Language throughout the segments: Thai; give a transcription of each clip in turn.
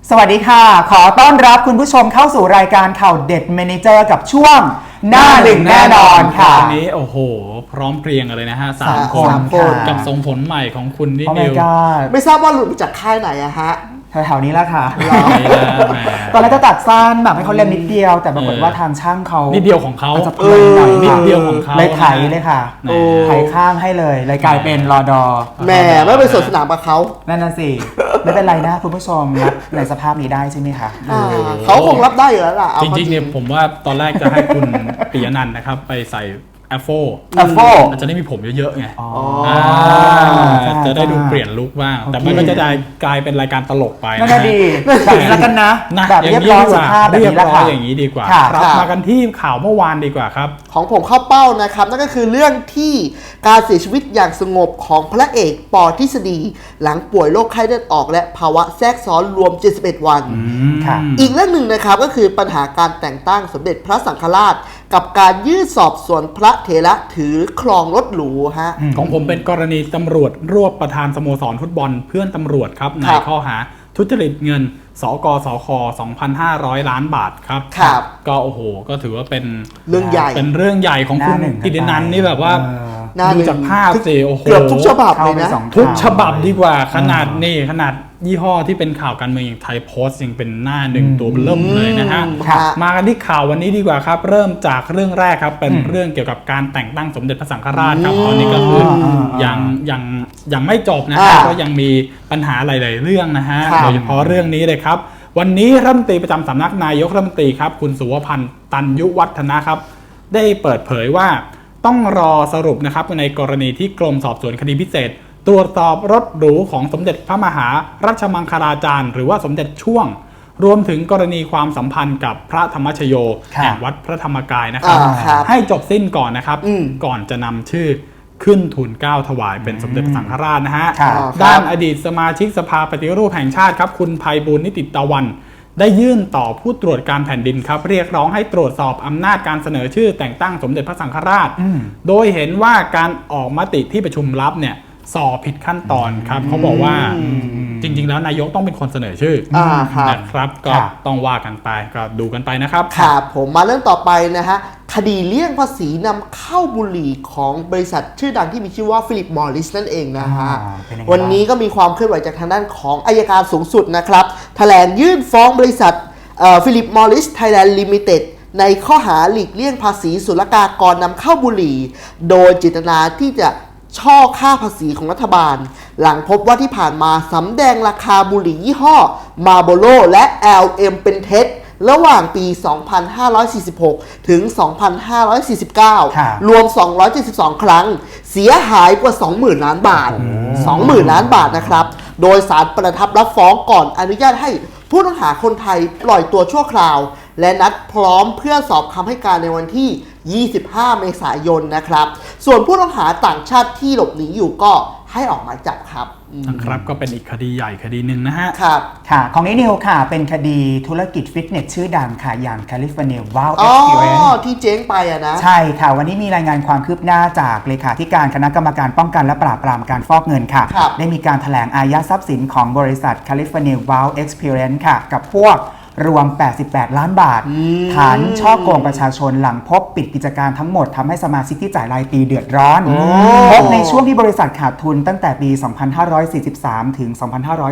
สวัสดีค่ะขอต้อนรับคุณผู้ชมเข้าสู่รายการข่าวเด็ดเมเนเจอร์กับช่วงหน้าหนึ่งแน่นอนค่ะวันนี้โอ้โหพร้อมเพรียงกันเลยนะฮะ3 คนกับทรงผมใหม่ของคุณนิดิวไม่ทราบว่าหลุดมาจากค่ายไหนอะฮะแถวๆนี้แล้วค่ะตอนแรกจะตัดสั้นแบบให้เขาเล่นนิดเดียวแต่ปรากฏว่าทางช่างเขานิดเดียวของเขาจะเพลินหน่อยนิดเดียวของเขาเลยไถเลยค่ะไถข้างให้เลยกลายเป็นรอดอแหมไม่ไปสวนสนามกับเขานั่นน่ะสิไม่เป็นไรนะคุณผู้ชมรับในสภาพนี้ได้ใช่ไหมคะเขาคงรับได้อยู่แล้วล่ะจริงๆเนี่ยผมว่าตอนแรกจะให้คุณปิยนันท์นะครับไปใส่แอฟโฟอาจจะได้มีผมเยอะๆไงจะได้ดูเปลี่ยนลุคบ้างแต่มันก็จะกลายเป็นรายการตลกไปน่าดีแบบนี้แล้วกันนะแบบเรียบร้อยสุภาพแบบนี้แล้วค่ะอย่างนี้ดีกว่าครับมากันที่ข่าวเมื่อวานดีกว่าครับของผมเข้าเป้านะครับนั่นก็คือเรื่องที่การเสียชีวิตอย่างสงบของพระเอกป.ทฤษฎีหลังป่วยโรคไข้เลือดออกและภาวะแทรกซ้อนรวม71วันอีกเรื่องหนึ่งนะครับก็คือปัญหาการแต่งตั้งสมเด็จพระสังฆราชกับการยื่นสอบสวนพระเถระถือครองรถหรูฮะของผมเป็นกรณีตำรวจรวบประธานสโมสรฟุตบอลเพื่อนตำรวจครับในข้อหาทุจริตเงินสกสค 2,500 ล้านบาทครับก็โอ้โหก็ถือว่าเป็นเรื่องใหญ่ของคุณกิตินันท์นี่แบบว่าดูจากภาพสิโอ้โหเกือบทุกฉบับเลยนะทุกฉบับดีกว่าขนาดยี่ห้อที่เป็นข่าวการเมืองอย่างไทยโพสต์ยังเป็นหน้าหนึ่งตัวเริ่มเลยนะฮะมากันที่ข่าววันนี้ดีกว่าครับเริ่มจากเรื่องแรกครับเป็นเรื่องเกี่ยวกับการแต่งตั้งสมเด็จพระสังฆราชครับตอนนี้ก็คือยังไม่จบนะฮะก็ยังมีปัญหาหลายๆเรื่องนะฮะโดยเฉพาะเรื่องนี้เลยครับวันนี้รัฐมนตรีประจำสำนักนายกรัฐมนตรีครับคุณสุวพันธ์ตันยุวัฒนะครับได้เปิดเผยว่าต้องรอสรุปนะครับในกรณีที่กรมสอบสวนคดีพิเศษตรวจสอบรถหรูของสมเด็จพระมหารัชมังคลาจารย์หรือว่าสมเด็จช่วงรวมถึงกรณีความสัมพันธ์กับพระธรรมชโยแห่งวัดพระธรรมกายนะครับให้จบสิ้นก่อนนะครับก่อนจะนำชื่อขึ้นทูลเกล้าถวายเป็นสมเด็จพระสังฆราชนะฮะด้านอดีตสมาชิกสภาปฏิรูปแห่งชาติครับคุณไพบูลย์นิติตะวันได้ยื่นต่อผู้ตรวจการแผ่นดินครับเรียกร้องให้ตรวจสอบอำนาจการเสนอชื่อแต่งตั้งสมเด็จพระสังฆราชโดยเห็นว่าการออกมติที่ประชุมลับเนี่ยสอบผิดขั้นตอนครับเขาบอกว่าจริงๆแล้วนายกต้องเป็นคนเสนอชื่อนะครับก็ต้องว่ากันไปก็ดูกันไปนะครับครับผมมาเรื่องต่อไปนะฮะคดีเลี่ยงภาษีนำเข้าบุหรี่ของบริษัทชื่อดังที่มีชื่อว่าฟิลิปมอริสนั่นเองนะฮะวันนี้ก็มีความเคลื่อนไหวจากทางด้านของอัยการสูงสุดนะครับแถลงยื่นฟ้องบริษัทฟิลิปมอริสไทยแลนด์ลิมิเต็ดในข้อหาหลีกเลี่ยงภาษีศุลกากรนำเข้าบุหรี่โดยเจตนาที่จะช่อค่าภาษีของรัฐบาลหลังพบว่าที่ผ่านมาสำแดงราคาบุหรี่ยี่ห้อ Marlboro และ LM เป็นเท็จระหว่างปี 2546 ถึง 2549 รวม 272 ครั้งเสียหายกว่า 20,000 ล้านบาท 20,000 ล้านบาทนะครับโดยศาลประทับรับฟ้องก่อนอนุญาตให้ผู้ต้องหาคนไทยปล่อยตัวชั่วคราวและนัดพร้อมเพื่อสอบคำให้การในวันที่25 เมษายนนะครับส่วนผู้ต้องหาต่างชาติที่หลบหนีอยู่ก็ให้ออกหมายจับครับครับก็เป็นอีกคดีใหญ่คดีหนึ่งนะฮะครับค่ะของนิวค่ะเป็นคดีธุรกิจฟิตเนสชื่อดังค่ะอย่างแคลิฟอร์เนีย Wow Experience ที่เจ๊งไปอะนะใช่ค่ะวันนี้มีรายงานความคืบหน้าจากเลขาธิการคณะกรรมการป้องกันและปราบปรามการฟอกเงินค่ะได้มีการแถลงอายัดทรัพย์สินของบริษัทแคลิฟอร์เนีย Wow Experience ค่ะกับพวกรวม88 ล้านบาทฐานช่อโกงประชาชนหลังพบปิดกิจการทั้งหมดทำให้สมาชิกที่จ่ายรายปีเดือดร้อนพบในช่วงที่บริษัทขาดทุนตั้งแต่ปี 2543 ถึง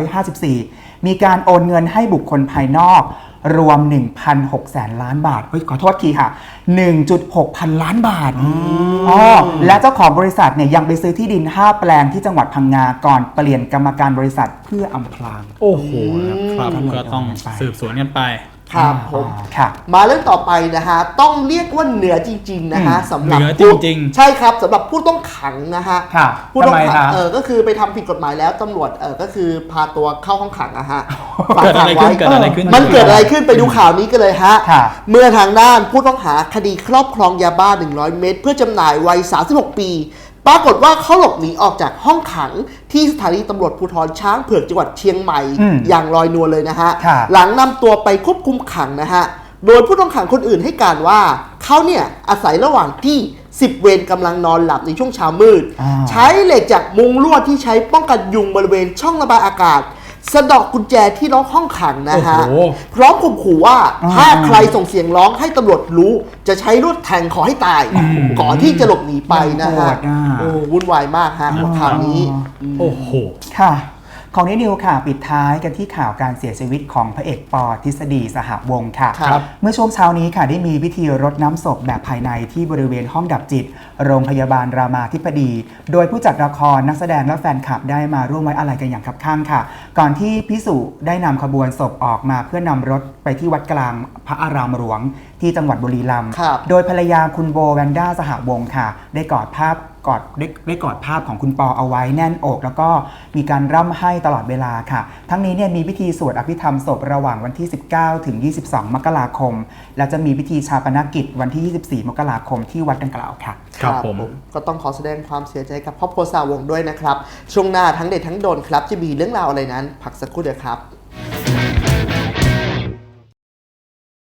2554 มีการโอนเงินให้บุคคลภายนอกรวม 1,600 ล้านบาทขอโทษทีค่ะ 1.6 พันล้านบาทและเจ้าของบริษัทเนี่ยยังไปซื้อที่ดิน5 แปลงที่จังหวัดพังงาก่อนเปลี่ยนกรรมการบริษัทเพื่ออำพรางโอ้โหครับก็ต้องสืบสวนกันไปครับผมมาเรื่องต่อไปนะฮะต้องเรียกว่าเหนือจริงๆนะฮะสำหรับใช่ครับสำหรับผู้ต้องขังนะฮะผู้ต้องขังก็คือไปทำผิดกฎหมายแล้วตำรวจก็คือพาตัวเข้าห้องขังนะฮะเกิดอะไรขึ้นมันเกิดอะไรขึ้นไปดูข่าวนี้กันเลยฮะเมื่อทางด้านผู้ต้องหาคดีครอบครองยาบ้า100 เม็ดเพื่อจำหน่ายวัย36 ปีปรากฏว่าเขาหลบหนีออกจากห้องขังที่สถานีตำรวจภูธรช้างเผือกจังหวัดเชียงใหม่อย่างลอยนวลเลยนะฮะหลังนำตัวไปควบคุมขังนะฮะโดยผู้ต้องขังคนอื่นให้การว่าเขาเนี่ยอาศัยระหว่างที่10 เวรกำลังนอนหลับในช่วงเช้ามืดใช้เหล็กจากมุงลวดที่ใช้ป้องกันยุงบริเวณช่องระบายอากาศสะเดอกกุญแจที่ล็อกห้องขังนะฮะโอ้โหพร้อมข่มขู่ว่าถ้าใครส่งเสียงร้องให้ตำรวจรู้จะใช้ลวดแทงขอให้ตาย ก่อนที่จะหลบหนีไปนะฮะโหดอ่ะโอ้วุ่นวายมากฮะข่าวนี้โอ้โหค่ะ ของนิวค่ะปิดท้ายกันที่ข่าวการเสียชีวิตของพระเอกปอทฤษฎีสหวงศ์ค่ะครับเมื่อช่วงเช้านี้ค่ะได้มีพิธีรดน้ำศพแบบภายในที่บริเวณห้องดับจิต โรงพยาบาลรามาธิบดี โดยผู้จัดละครนักแสดงและแฟนคลับได้มาร่วมไว้อาลัยกันอย่างคับข้างค่ะ ก่อนที่พิสุได้นำขบวนศพออกมาเพื่อนำรถไปที่วัดกลางพระอารามหลวงที่จังหวัดบุรีรัมย์ครับโดยภรรยาคุณโบแวนด้าสหวงศ์ค่ะ ได้กอดภาพของคุณปอเอาไว้แน่นอก แล้วก็มีการร่ำไห้ตลอดเวลาค่ะ ทั้งนี้เนี่ยมีพิธีสวดอภิธรรมศพระหว่างวันที่ 19 ถึง 22 มกราคม และจะมีพิธีชาปนกิจวันที่ 24 มกราคมที่วัดดังกล่าวค่ะครับผมก็ต้องขอแสดงความเสียใจกับครอบครัวสาวงศ์ด้วยนะครับ ช่วงหน้าทั้งเด็ดทั้งโดนครับจะมีเรื่องราวอะไรนั้น พักสักครู่เดียวครับ